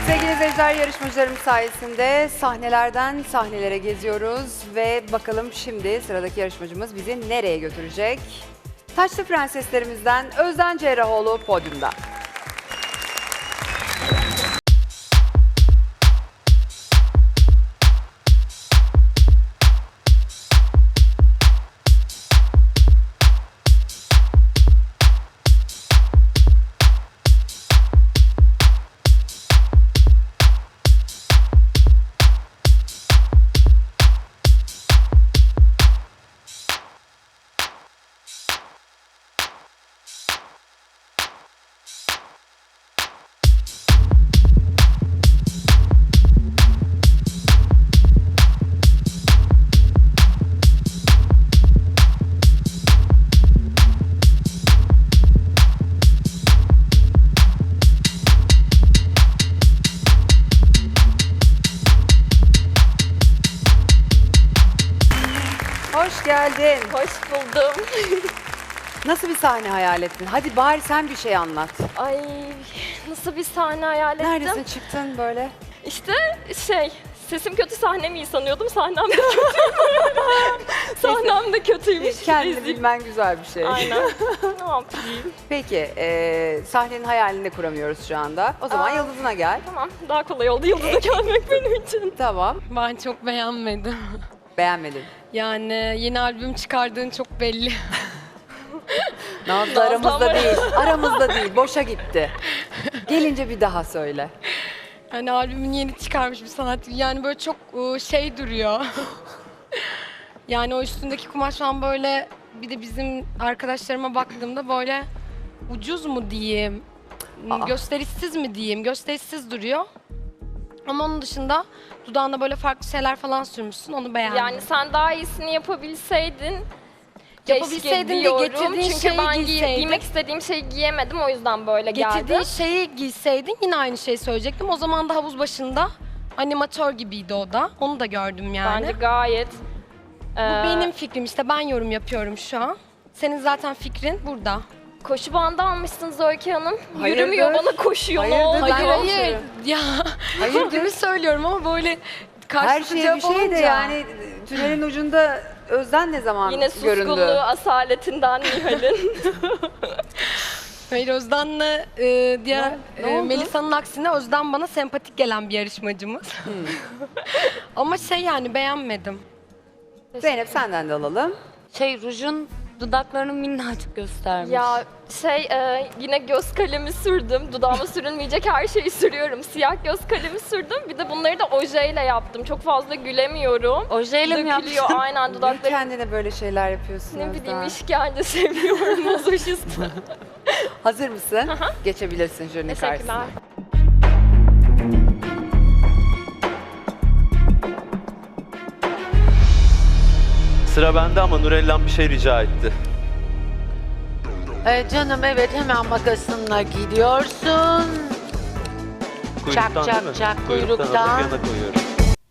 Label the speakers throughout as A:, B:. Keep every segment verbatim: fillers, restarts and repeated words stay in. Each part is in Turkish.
A: Sevgili izleyiciler, yarışmacılarımız sayesinde sahnelerden sahnelere geziyoruz ve bakalım şimdi sıradaki yarışmacımız bizi nereye götürecek? Taçlı prenseslerimizden Özden Cerrahoğlu podyumda. Hoş geldin.
B: Hoş buldum.
A: Nasıl bir sahne hayal ettin? Hadi bari sen bir şey anlat.
B: Ay nasıl bir sahne hayal ettim.
A: Neredesin, çıktın böyle?
B: İşte şey, sesim kötü, sahnem iyi sanıyordum. Sahnem de kötü. Sahnem de kötüymüş.
A: Kendini
B: Rezil.
A: bilmen güzel bir şey.
B: Aynen. Ne yapayım?
A: Peki, e, sahnenin hayalini de kuramıyoruz şu anda. O zaman
B: Aa.
A: Yıldız'ına gel.
B: Tamam, daha kolay oldu Yıldız'a gelmek benim için.
A: Tamam.
C: Ben çok beğenmedim.
A: Beğenmedin.
C: Yani yeni albüm çıkardığın çok belli.
A: Nazlı
B: Nazlı
A: aramızda
B: ama-
A: değil. Aramızda değil. Boşa gitti. Gelince bir daha söyle.
C: Yani albümün yeni çıkarmış bir sanatçı. Yani böyle çok ıı, şey duruyor. Yani o üstündeki kumaş falan böyle, bir de bizim arkadaşlarıma baktığımda böyle ucuz mu diyeyim,
A: Aa.
C: gösterişsiz mi diyeyim, gösterişsiz duruyor. Ama onun dışında dudağına böyle farklı şeyler falan sürmüşsün, onu beğendim.
B: Yani sen daha iyisini yapabilseydin. Keşke
C: Yapabilseydin de
B: diyorum.
C: getirdiğin
B: Çünkü
C: şeyi
B: ben giy-
C: giyseydin.
B: giymek istediğim şeyi giyemedim, o yüzden böyle geldi.
C: Getirdiğin şeyi giyseydin yine aynı şeyi söyleyecektim. O zaman da havuz başında animatör gibiydi o da. Onu da gördüm yani.
B: Bence gayet.
C: Bu
B: e,
C: benim fikrim, işte ben yorum yapıyorum şu an. Senin zaten fikrin burada.
B: Koşu bandı almışsınız Öykü Hanım.
A: Hayırdır?
B: Yürümüyor, bana koşuyor. Ne
A: Hayırdır?
B: oldu?
A: Ben
C: Hayır hayır.
A: konuşuyorum.
C: Ya fikrimi söylüyorum ama böyle
A: Her
C: karşılıklı
A: şey bir
C: cevap
A: şey de
C: olunca.
A: yani tünelin ucunda Özden ne zaman
B: Yine
A: göründü?
B: suskunluğu asaletinden Nihal'in.
C: Hayır, Özden'le e, diğer
A: Ne- ne
C: e,
A: oldu?
C: Melisa'nın aksine Özden bana sempatik gelen bir yarışmacımız.
A: Hmm.
C: Ama şey, yani beğenmedim.
A: Zeynep, senden de alalım.
D: Şey, rujun dudaklarını minnacık göstermiş.
B: Ya şey e, yine göz kalemi sürdüm. Dudağıma sürülmeyecek her şeyi sürüyorum. Siyah göz kalemi sürdüm. Bir de bunları da ojeyle yaptım. Çok fazla gülemiyorum.
D: Ojeyle mi
B: Dökülüyor
D: yaptın?
B: aynen
A: Niye
B: dudaklarım.
A: kendine böyle şeyler yapıyorsun
B: Ne
A: Özden?
B: bileyim, işkence seviyorum. Mazoşist.
A: Hazır mısın? Geçebilirsin jürinin
B: Teşekkürler.
A: karşısına.
E: Sıra bende ama Nurellan bir şey rica etti.
F: Ee, canım evet, hemen makasınla gidiyorsun.
E: Kuyruktan
F: Çak,
E: değil
F: çak,
E: mi?
F: çak,
E: Kuyruktan
F: kuyruktan.
E: alıp yana koyuyorum.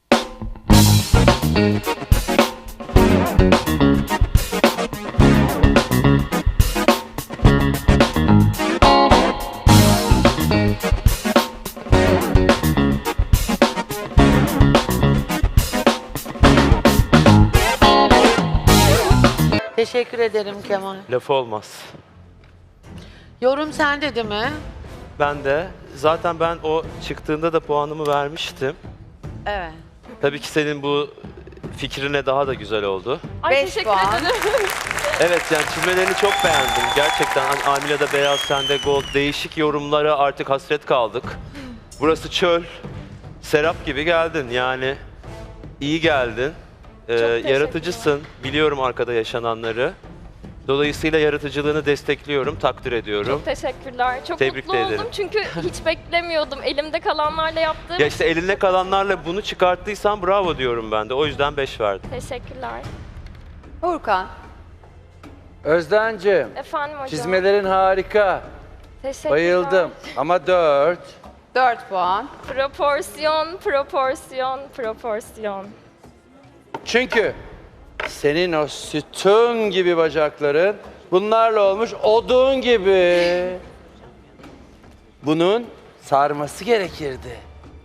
F: Teşekkür ederim Kemal.
E: Lafı olmaz.
F: Yorum sende değil mi?
E: Ben de zaten ben o çıktığında da puanımı vermiştim.
F: Evet.
E: Tabii ki senin bu fikrine daha da güzel oldu.
B: Ay
A: Beş
B: teşekkür
A: puan.
B: ederim.
E: Evet, yani çizmelerini çok beğendim. Gerçekten hani Amila'da beyaz, sende gold, değişik yorumlara artık hasret kaldık. Burası çöl. Serap gibi geldin yani. İyi geldin. Ee,
B: teşekkürler.
E: yaratıcısın. Biliyorum arkada yaşananları. Dolayısıyla yaratıcılığını destekliyorum, takdir ediyorum.
B: Çok teşekkürler. Çok
E: Tebrik
B: mutlu
E: de
B: oldum
E: ederim.
B: çünkü hiç beklemiyordum. Elimde kalanlarla yaptığım.
E: Ya işte eline kalanlarla bunu çıkarttıysan bravo diyorum ben de. O yüzden beş verdim.
B: Teşekkürler.
A: Furkan,
G: Özden'cim,
B: Efendim hocam.
G: çizmelerin harika.
B: Teşekkürler.
G: Bayıldım. Ama dört.
A: dört puan.
B: Proporsiyon, proporsiyon, proporsiyon.
G: Çünkü senin o sütun gibi bacakların bunlarla olmuş odun gibi. Bunun sarması gerekirdi.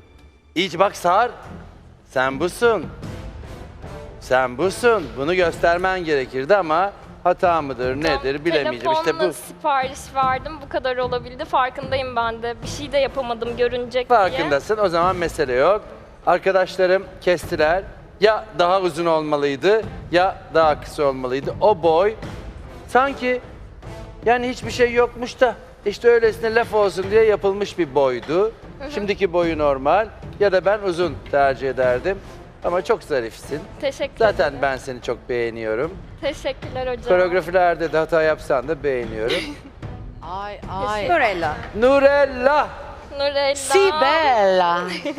G: İyice bak Sar. Sen busun. Sen busun. Bunu göstermen gerekirdi ama hata mıdır nedir bilemeyeceğim. İşte
B: Telefonla
G: bu.
B: sipariş verdim. Bu kadar olabildi. Farkındayım ben de. Bir şey de yapamadım görünecek diye.
G: Farkındasın. O zaman mesele yok. Arkadaşlarım kestiler. Ya daha uzun olmalıydı ya daha kısa olmalıydı. O boy sanki yani hiçbir şey yokmuş da işte öylesine laf olsun diye yapılmış bir boydu. Şimdiki boyu normal ya da ben uzun tercih ederdim. Ama çok zarifsin.
B: Teşekkür
G: Zaten
B: ederim.
G: ben seni çok beğeniyorum.
B: Teşekkürler hocam.
G: Koreografilerde de hata yapsan da beğeniyorum.
F: Ay ay.
A: Nurella.
G: Nurella!
B: Nurella.
F: Sibella.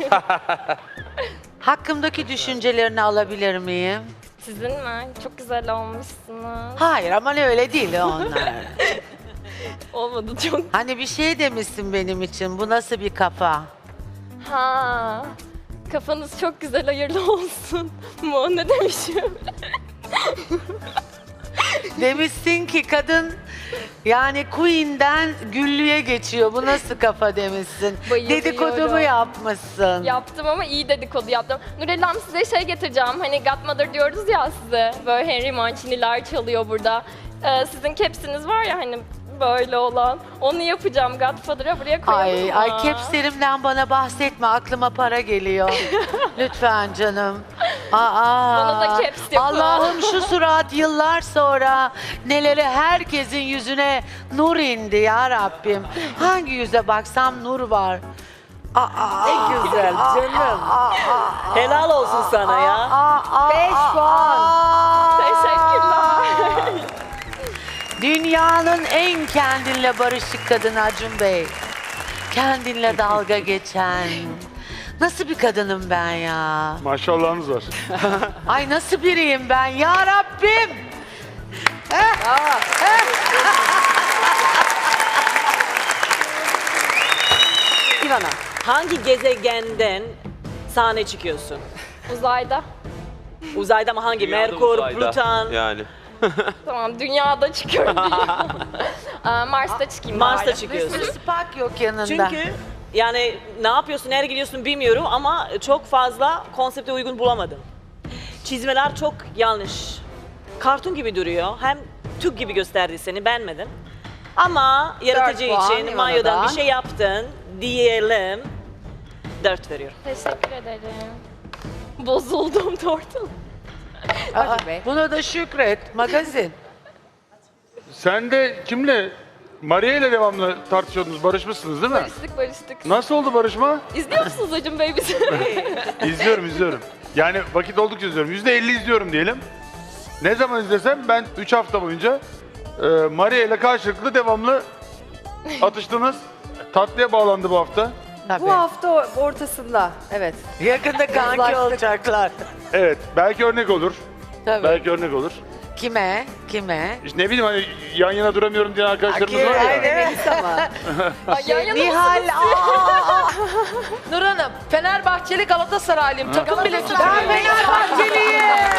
F: Hakkımdaki düşüncelerini alabilir miyim?
B: Sizin mi? Çok güzel olmuşsunuz.
F: Hayır ama öyle değil onlar.
B: Olmadı çok.
F: Hani bir şey demişsin benim için. Bu nasıl bir kafa?
B: Ha. Kafanız çok güzel, hayırlı olsun. Mu ne demişim?
F: Demişsin ki kadın yani Queen'den Güllü'ye geçiyor. Bu nasıl kafa demişsin.
B: Bayılıyorum.
F: Dedikodumu yapmışsın.
B: Yaptım ama iyi dedikodu yaptım. Nurellam size şey getireceğim. Hani Godmother diyoruz ya size. Böyle Henry Mancini'ler çalıyor burada. Ee, sizin kepsiniz var ya hani böyle olan. Onu yapacağım Godfather'a buraya koyalım
F: Ay,
B: mı?
F: ay kepslerimden bana bahsetme. Aklıma para geliyor. Lütfen canım. Aa,
B: Bana da caps yapın.
F: Allah'ım şu surat yıllar sonra neleri herkesin yüzüne nur indi ya Rabbim. Hangi yüze baksam nur var. Aa,
H: Ne güzel canım. Helal olsun sana ya.
A: Beş puan.
B: Teşekkürler.
F: Dünyanın en kendinle barışık kadını Acun Bey. Kendinle dalga geçen. Nasıl bir kadınım ben ya?
I: Maşallahınız var.
F: Ay nasıl biriyim ben ya Rabbim?
A: Ivana.
H: Hangi gezegenden sahne çıkıyorsun?
B: Uzayda.
H: Uzayda mı hangi?
E: Dünyada
H: Merkur,
E: uzayda.
H: Plüton,
E: Yani.
B: Tamam dünyada çıkıyorum. Aa, Mars'ta çıkayım
H: Mars'ta
B: bari.
H: çıkıyorsun.
F: Mısır Spak yok yanında.
H: Çünkü yani ne yapıyorsun, nereye gidiyorsun bilmiyorum ama çok fazla konsepte uygun bulamadım. Çizmeler çok yanlış. Kartun gibi duruyor. Hem Türk gibi gösterdi seni, beğenmedim. Ama yaratıcı
A: puan
H: için
A: İvana'dan.
H: Mayo'dan bir şey yaptın diyelim. Dört veriyorum.
B: Teşekkür ederim. Bozuldum tortum.
F: Aa,
A: Acun Bey.
F: buna da şükret. Magazin.
I: Sen de kimle? Maria ile devamlı tartışıyordunuz, barışmışsınız değil mi?
B: Barıştık barıştık.
I: Nasıl oldu barışma?
B: İzliyor musunuz Acun Bey bizi?
I: İzliyorum, izliyorum. Yani vakit oldukça izliyorum. yüzde elli izliyorum diyelim. Ne zaman izlesem ben üç hafta boyunca e, Maria ile karşılıklı devamlı atıştınız. Tatlıya bağlandı bu hafta.
F: Tabii.
A: Bu hafta ortasında. Evet.
F: Yakında kanki
A: Uzlaştık.
F: olacaklar.
I: Evet, belki örnek olur.
F: Tabii.
I: Belki örnek olur.
F: Kime? Kime?
I: İşte ne bileyim hani yan yana duramıyorum diyen arkadaşlarımız var ya.
A: Aynen Melisa mı?
B: Ay, yan yana
F: Nihal. aa,
C: Nur Hanım, Fenerbahçeli Galatasaraylıyım. Takım bile
F: ben
C: tutuyorum.
F: Fenerbahçeliyim.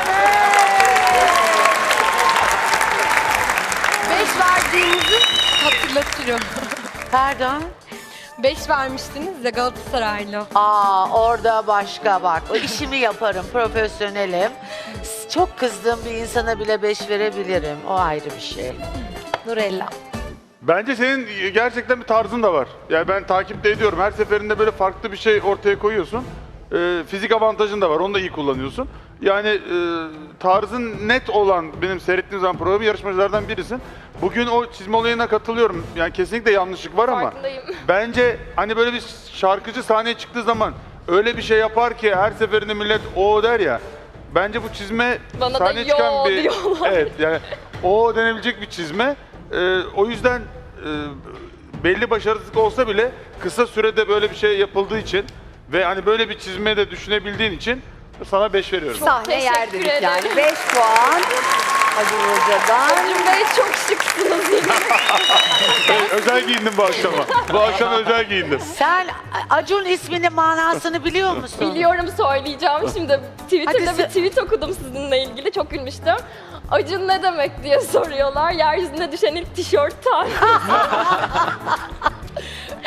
C: Beş verdiğinizi hatırlatıyorum.
F: Pardon.
C: Beş vermiştiniz de Galatasaraylı.
F: Aa orada başka bak. O işimi yaparım, profesyonelim. Çok kızdığım bir insana bile beş verebilirim. O ayrı bir şey.
C: Nurella.
I: Bence senin gerçekten bir tarzın da var. Yani ben takip de ediyorum. Her seferinde böyle farklı bir şey ortaya koyuyorsun. Ee, fizik avantajın da var. Onu da iyi kullanıyorsun. Yani e, tarzın net olan benim seyrettiğim zaman programı yarışmacılardan birisin. Bugün o çizme olayına katılıyorum. Yani kesinlikle yanlışlık var ama
B: Farkındayım.
I: bence hani böyle bir şarkıcı sahneye çıktığı zaman öyle bir şey yapar ki her seferinde millet o der ya. Bence bu çizme
B: Bana da
I: sahneye
B: yo
I: çıkan bir
B: diyorlar.
I: evet yani o denebilecek bir çizme. Ee, o yüzden e, belli başarısızlık olsa bile kısa sürede böyle bir şey yapıldığı için ve hani böyle bir çizme de düşünebildiğin için sana beş veriyorum.
A: Sahne
B: teşekkür
A: yer dedik
B: ederim.
A: yani. Beş puan. Acun Hoca'dan.
B: Acun Bey çok şıksınız yine.
I: Evet, özel giyindim bu akşama. Bu akşam özel giyindim.
F: Sen Acun isminin manasını biliyor musun?
B: Biliyorum söyleyeceğim şimdi. Twitter'da
F: Hadi
B: bir
F: se-
B: tweet okudum sizinle ilgili çok gülmüştüm. Acun ne demek diye soruyorlar. Yeryüzüne düşen ilk tişört tarihi.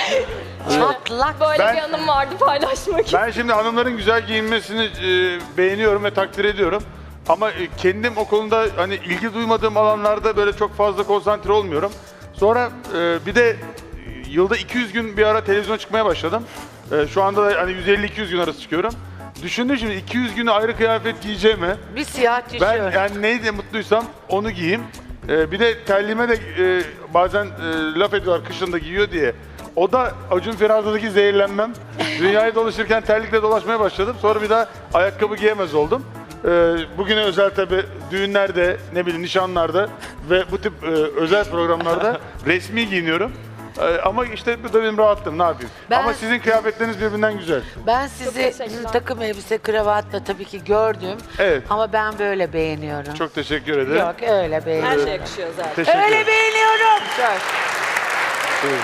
F: Çatlak.
B: Böyle
I: Ben-
B: bir anım vardı paylaşmak için.
I: Ben şimdi hanımların güzel giyinmesini e, beğeniyorum ve takdir ediyorum. Ama e, kendim o konuda hani ilgi duymadığım alanlarda böyle çok fazla konsantre olmuyorum. Sonra e, bir de e, yılda iki yüz gün bir ara televizyona çıkmaya başladım. E, şu anda da hani yüz elli iki yüz gün arası çıkıyorum. Düşündüm şimdi iki yüz günü ayrı kıyafet giyeceğime
F: Bir siyah
I: ben
F: tişört.
I: yani neydi mutluysam onu giyeyim. E, bir de terliğime de e, bazen e, laf ediyorlar kışın da giyiyor diye. O da Acun Firarda'daki zehirlenmem. Dünyayı dolaşırken terlikle dolaşmaya başladım. Sonra bir daha ayakkabı giyemez oldum. Ee, bugüne özel tabi düğünlerde, ne bileyim nişanlarda ve bu tip e, özel programlarda resmi giyiniyorum. Ee, ama işte bu da benim rahatlığım, ne yapayım.
F: Ben-
I: Ama sizin kıyafetleriniz birbirinden güzel.
F: Ben sizi
B: teşekkürler.
F: takım elbise kravatla tabii ki gördüm.
I: Evet.
F: Ama ben böyle beğeniyorum.
I: Çok teşekkür ederim.
F: Yok öyle
H: Her
F: beğeniyorum.
H: şey yakışıyor zaten.
I: Teşekkür
F: Öyle
I: ederim.
F: beğeniyorum.
I: Buyurun.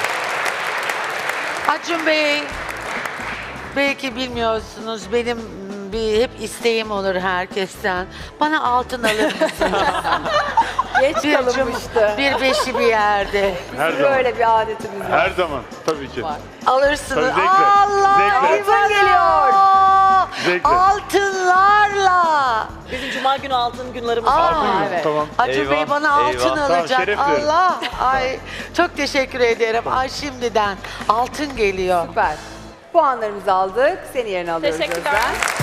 F: Acun Bey, belki bilmiyorsunuz benim bir hep isteğim olur herkesten. Bana altın alır mısınız?
A: Geç
F: bir cum,
A: kalınmıştı.
F: bir beşi bir yerde.
I: Her zaman.
A: Böyle bir adetimiz var.
I: Her zaman tabii ki.
F: Alırsınız.
I: Tabii, zevkle.
F: Allah!
I: Zevkle.
A: Altın geliyor.
I: Zevkle.
F: Altınlarla.
H: Bizim cuma günü altın günlerimiz
F: Aa,
H: var.
I: Altın günü,
A: evet.
I: Tamam.
F: Acun
E: Eyvah,
F: Bey bana altın
E: eyvah.
I: Tamam,
F: alacak.
I: şeref duyarım.
F: Allah! Ay çok teşekkür ederim. Ay şimdiden altın geliyor.
A: Süper. Puanlarımızı aldık. Seni yerine alıyoruz
B: Teşekkürler.
A: Özden.